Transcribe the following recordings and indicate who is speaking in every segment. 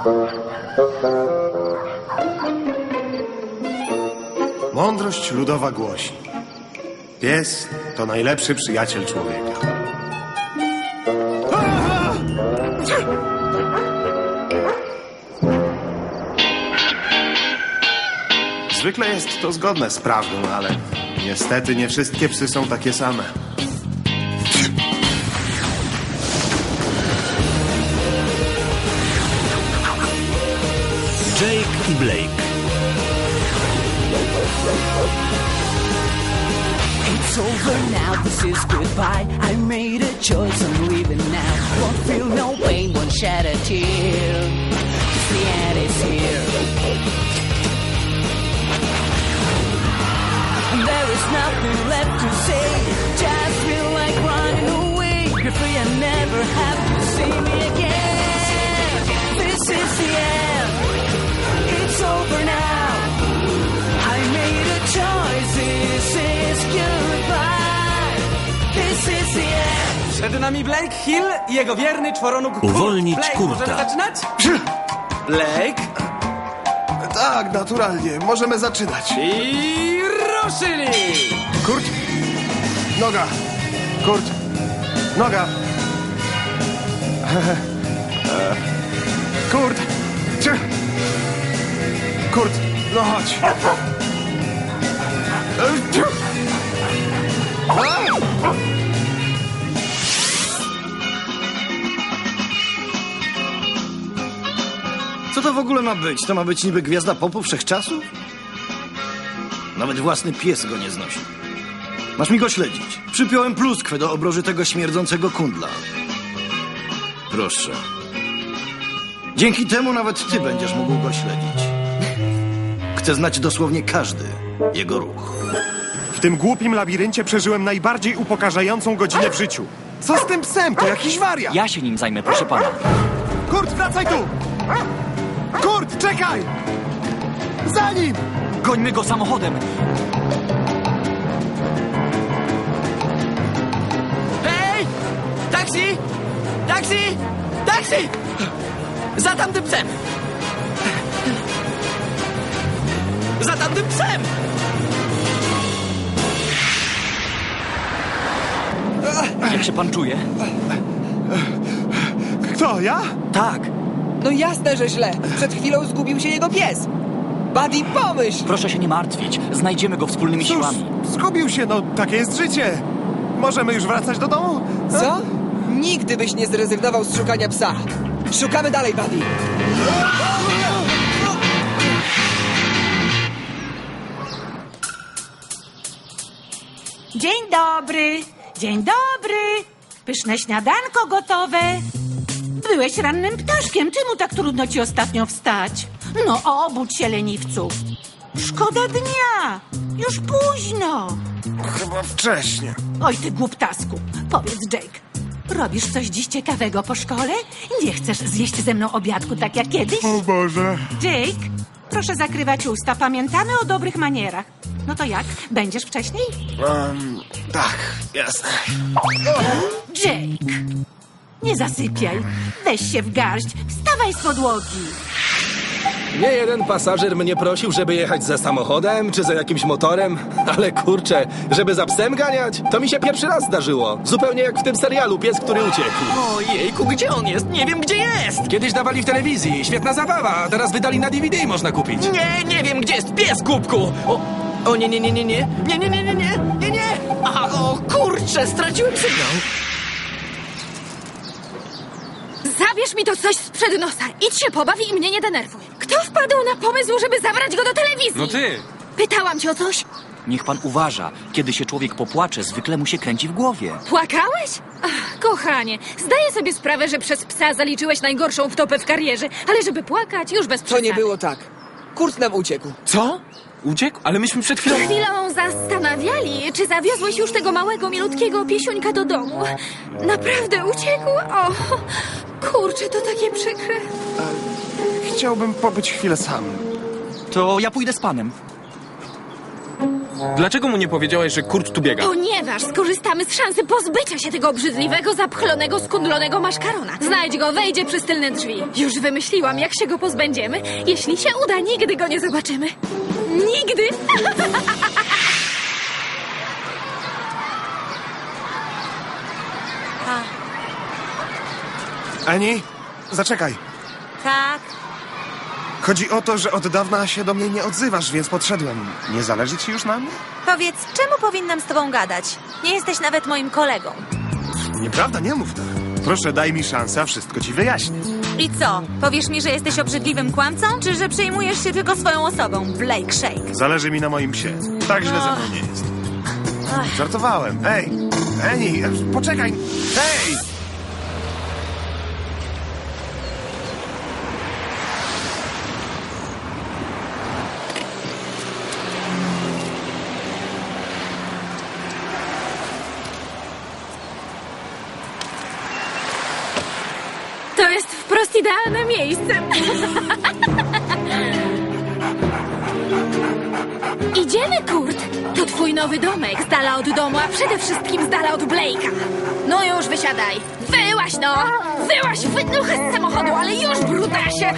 Speaker 1: Mądrość ludowa głosi: pies to najlepszy przyjaciel człowieka. Zwykle jest to zgodne z prawdą, ale niestety nie wszystkie psy są takie same.
Speaker 2: Jake i Blake.
Speaker 3: It's over now, this is goodbye. I made a choice, I'm leaving now. Won't feel no pain, won't shed a tear. 'Cause the end is here. There is nothing left to say. Just feel like running away. You're free and never have to see me again. This is the end. It's over now. I made a choice. This is goodbye. This is the end.
Speaker 4: Przed nami Blake Hill i jego wierny czworonóg Kurt.
Speaker 2: Uwolnić
Speaker 4: Blake,
Speaker 2: Kurta.
Speaker 4: możemy zaczynać? Blake
Speaker 1: Tak, naturalnie. Możemy zaczynać.
Speaker 4: i ruszyli!
Speaker 1: Kurt. Noga. Kurt. Noga. Kurt. Kurt. No chodź.
Speaker 5: Co to w ogóle ma być? To ma być niby gwiazda popu wszechczasów? Nawet własny pies go nie znosi. Masz mi go śledzić. Przypiąłem pluskwę do obroży tego śmierdzącego kundla. Proszę. Dzięki temu nawet ty będziesz mógł go śledzić. Chcę znać dosłownie każdy jego ruch.
Speaker 1: W tym głupim labiryncie przeżyłem najbardziej upokarzającą godzinę w życiu. Co z tym psem? To jakiś wariat.
Speaker 6: Ja się nim zajmę, proszę pana.
Speaker 1: Kurt, wracaj tu! Kurt, czekaj! Za nim!
Speaker 6: Gońmy go samochodem.
Speaker 4: Hej! Taksi! Taksi! Taksi! Za tamtym psem! Za tamtym psem!
Speaker 6: Jak się pan czuje?
Speaker 1: Kto, ja?
Speaker 6: Tak.
Speaker 7: No jasne, że źle. Przed chwilą zgubił się jego pies. Buddy, pomyśl!
Speaker 6: Proszę się nie martwić. Znajdziemy go wspólnymi
Speaker 1: Cóż,
Speaker 6: siłami.
Speaker 1: zgubił się, no takie jest życie. Możemy już wracać do domu?
Speaker 7: Co? Nigdy byś nie zrezygnował z szukania psa. Szukamy dalej, Buddy.
Speaker 8: Dzień dobry, dzień dobry. Pyszne śniadanko gotowe. Byłeś rannym ptaszkiem, czemu tak trudno ci ostatnio wstać? No obudź się, leniwcu. Szkoda dnia, już późno.
Speaker 1: Chyba wcześnie.
Speaker 8: Oj, ty głuptasku. Powiedz, Jake, robisz coś dziś ciekawego po szkole? Nie chcesz zjeść ze mną obiadku tak jak kiedyś?
Speaker 1: O Boże.
Speaker 8: Jake, proszę zakrywać usta. Pamiętamy o dobrych manierach. No to jak? Będziesz wcześniej?
Speaker 1: Tak, jasne.
Speaker 8: Jake, nie zasypiaj. Weź się w garść. Wstawaj z podłogi.
Speaker 9: Nie jeden pasażer mnie prosił, żeby jechać za samochodem czy za jakimś motorem, ale kurczę, żeby za psem ganiać, to mi się pierwszy raz zdarzyło. Zupełnie jak w tym serialu Pies, który uciekł.
Speaker 4: Ojejku, gdzie on jest? Nie wiem, gdzie jest!
Speaker 9: Kiedyś dawali w telewizji, świetna zabawa, a teraz wydali na DVD i można kupić.
Speaker 4: Nie wiem, gdzie jest pies, głupku! O nie. Nie! Aha, o kurczę, straciłem sygnał.
Speaker 10: Zabierz mi to coś sprzed nosa. Idź się pobaw i mnie nie denerwuj. Kto wpadł na pomysł, żeby zabrać go do telewizji?
Speaker 9: No ty!
Speaker 10: Pytałam cię o coś.
Speaker 6: Niech pan uważa. Kiedy się człowiek popłacze, zwykle mu się kręci w głowie.
Speaker 10: Płakałeś? Ach, kochanie, zdaję sobie sprawę, że przez psa zaliczyłeś najgorszą wtopę w karierze, ale żeby płakać, już bez
Speaker 7: To
Speaker 10: przesady.
Speaker 7: nie było tak. Kurt nam uciekł.
Speaker 9: Co? Uciekł? Ale myśmy przed chwilą...
Speaker 10: Chwilą zastanawiali, czy zawiozłeś już tego małego, milutkiego piesiuńka do domu. Naprawdę uciekł? O, kurczę, to takie przykre.
Speaker 1: Chciałbym pobyć chwilę sam.
Speaker 6: To ja pójdę z panem.
Speaker 2: Dlaczego mu nie powiedziałeś, że Kurt tu biega?
Speaker 10: Ponieważ skorzystamy z szansy pozbycia się tego obrzydliwego, zapchlonego, skundlonego maszkarona. Znajdź go, wejdzie przez tylne drzwi. Już wymyśliłam, jak się go pozbędziemy. Jeśli się uda, nigdy go nie zobaczymy. Nigdy!
Speaker 1: Ani, zaczekaj.
Speaker 11: Tak.
Speaker 1: Chodzi o to, że od dawna się do mnie nie odzywasz, więc podszedłem. Nie zależy ci już na mnie?
Speaker 11: Powiedz, czemu powinnam z tobą gadać? Nie jesteś nawet moim kolegą.
Speaker 1: Nieprawda, nie mów tak. Proszę, daj mi szansę, a wszystko ci wyjaśnię.
Speaker 11: I co? Powiesz mi, że jesteś obrzydliwym kłamcą, czy że przejmujesz się tylko swoją osobą, Blake Shake?
Speaker 1: Zależy mi na moim psie. Tak źle ze mną nie jest. Żartowałem. Ej, Eni, poczekaj. Hej!
Speaker 10: To jest wprost idealne miejsce. Idziemy, Kurt. To twój nowy domek, z dala od domu, a przede wszystkim z dala od Blake'a. No już, wysiadaj. Wyłaź, no! Wyłaź, wydmuchę z samochodu, ale już, brutasie!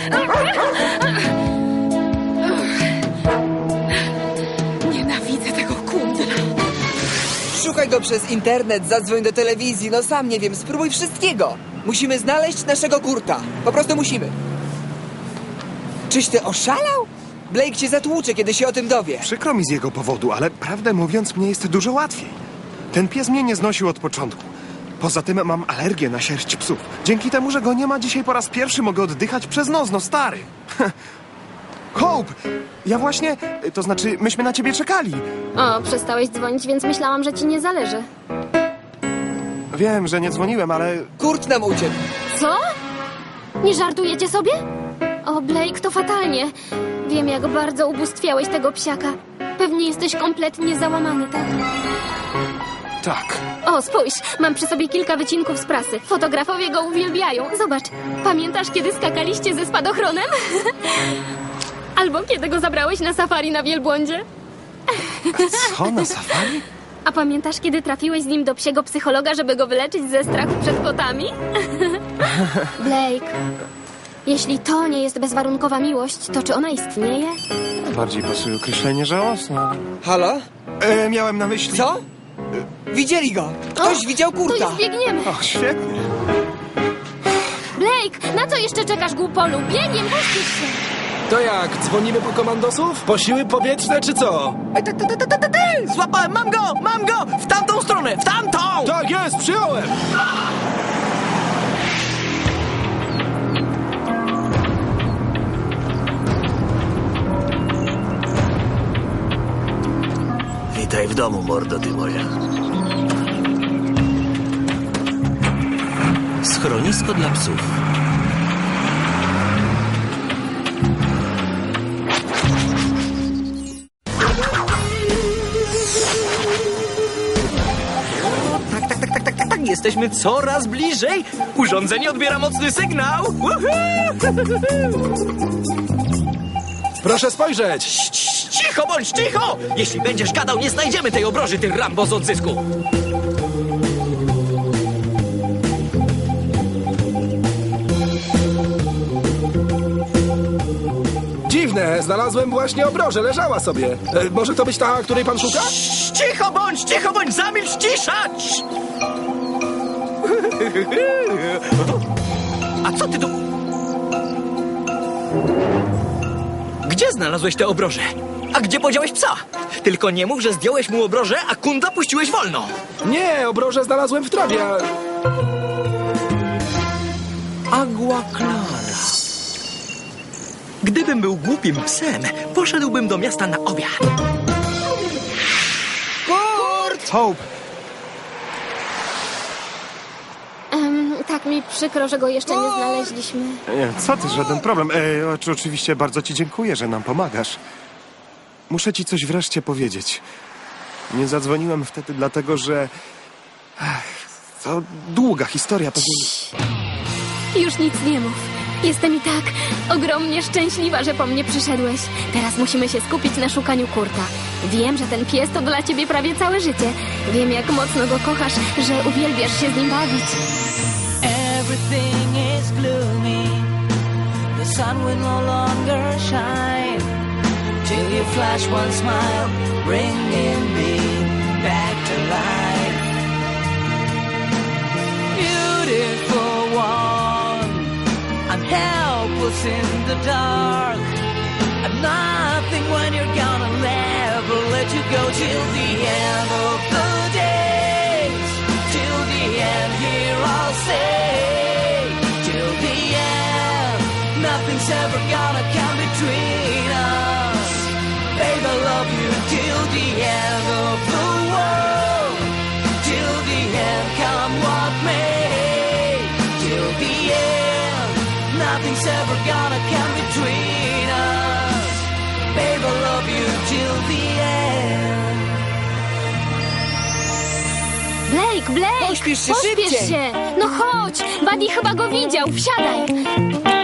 Speaker 10: Nienawidzę tego kundla.
Speaker 7: Szukaj go przez internet, zadzwoń do telewizji, no sam nie wiem, spróbuj wszystkiego. Musimy znaleźć naszego Kurta. Po prostu musimy. Czyś ty oszalał? Blake cię zatłucze, kiedy się o tym dowie.
Speaker 1: Przykro mi z jego powodu, ale prawdę mówiąc, mnie jest dużo łatwiej. Ten pies mnie nie znosił od początku. Poza tym mam alergię na sierść psów. Dzięki temu, że go nie ma, dzisiaj po raz pierwszy mogę oddychać przez nos, no stary. Hope! Ja właśnie, to znaczy, myśmy na ciebie czekali.
Speaker 10: O, przestałeś dzwonić, więc myślałam, że ci nie zależy.
Speaker 1: Wiem, że nie dzwoniłem, ale...
Speaker 7: Kurt nam uciekł.
Speaker 10: Co? Nie żartujecie sobie? O, Blake, to fatalnie. Wiem, jak bardzo ubóstwiałeś tego psiaka. Pewnie jesteś kompletnie załamany, tak?
Speaker 1: Tak.
Speaker 10: O, spójrz, mam przy sobie kilka wycinków z prasy. Fotografowie go uwielbiają. Zobacz, pamiętasz, kiedy skakaliście ze spadochronem? Albo kiedy go zabrałeś na safari na wielbłądzie?
Speaker 1: Co, na safari?
Speaker 10: A pamiętasz, kiedy trafiłeś z nim do psiego psychologa, żeby go wyleczyć ze strachu przed kotami? Blake, jeśli to nie jest bezwarunkowa miłość, to czy ona istnieje?
Speaker 1: Bardziej pasuje określenie żałosne.
Speaker 7: Halo?
Speaker 1: Miałem na myśli...
Speaker 7: Co? Widzieli go. Ktoś widział
Speaker 10: To
Speaker 7: Kurta.
Speaker 10: już biegniemy.
Speaker 1: O, świetnie.
Speaker 10: Blake, na co jeszcze czekasz, głupolu? Biegiem, puścisz się.
Speaker 9: To jak, dzwonimy po komandosów? Po siły powietrzne czy co?
Speaker 4: Złapałem, mam go! Mam go! W tamtą stronę! W tamtą!
Speaker 9: Tak jest, przyjąłem!
Speaker 5: Witaj w domu, mordo ty moja.
Speaker 6: Schronisko dla psów.
Speaker 4: Tak, jesteśmy coraz bliżej. Urządzenie odbiera mocny sygnał.
Speaker 9: Proszę spojrzeć!
Speaker 4: Cicho bądź, cicho! Jeśli będziesz gadał, nie znajdziemy tej obroży, ty Rambo z odzysku.
Speaker 9: Dziwne, znalazłem właśnie obrożę, leżała sobie. Może to być ta, której pan szuka?
Speaker 4: Cicho bądź, zamilcz, cisza! A co ty tu... Gdzie znalazłeś tę obrożę? A gdzie podziałeś psa? Tylko nie mów, że zdjąłeś mu obrożę, a kunda puściłeś wolno.
Speaker 9: Nie, obrożę znalazłem w trawie.
Speaker 4: Agua Clara. Gdybym był głupim psem, poszedłbym do miasta na obiad.
Speaker 7: Kurt!
Speaker 1: Hope!
Speaker 10: Tak mi przykro, że go jeszcze nie znaleźliśmy.
Speaker 1: Nie, co ty, żaden problem. Oczywiście bardzo ci dziękuję, że nam pomagasz. Muszę ci coś wreszcie powiedzieć. Nie zadzwoniłem wtedy dlatego, że... to długa historia, pewnie...
Speaker 10: Już nic nie mów. Jestem i tak ogromnie szczęśliwa, że po mnie przyszedłeś. Teraz musimy się skupić na szukaniu Kurta. Wiem, że ten pies to dla ciebie prawie całe życie. Wiem, jak mocno go kochasz, że uwielbiasz się z nim bawić.
Speaker 3: Everything is gloomy. The sun will no longer shine till you flash one smile, bringing me back to life. Beautiful one, I'm helpless in the dark. I'm nothing when you're gone. I'll never let you go till the end of the days. Till the end, here I'll stay. Till the end, nothing's ever gonna come between us. Babe, I love you till the end of the world. Till the end, come what may. Till the end, nothing's ever gonna come between us. Babe, I love you till the end.
Speaker 10: Blake!
Speaker 7: Pośpiesz się szybciej.
Speaker 10: się! No chodź! Buddy chyba go widział, wsiadaj!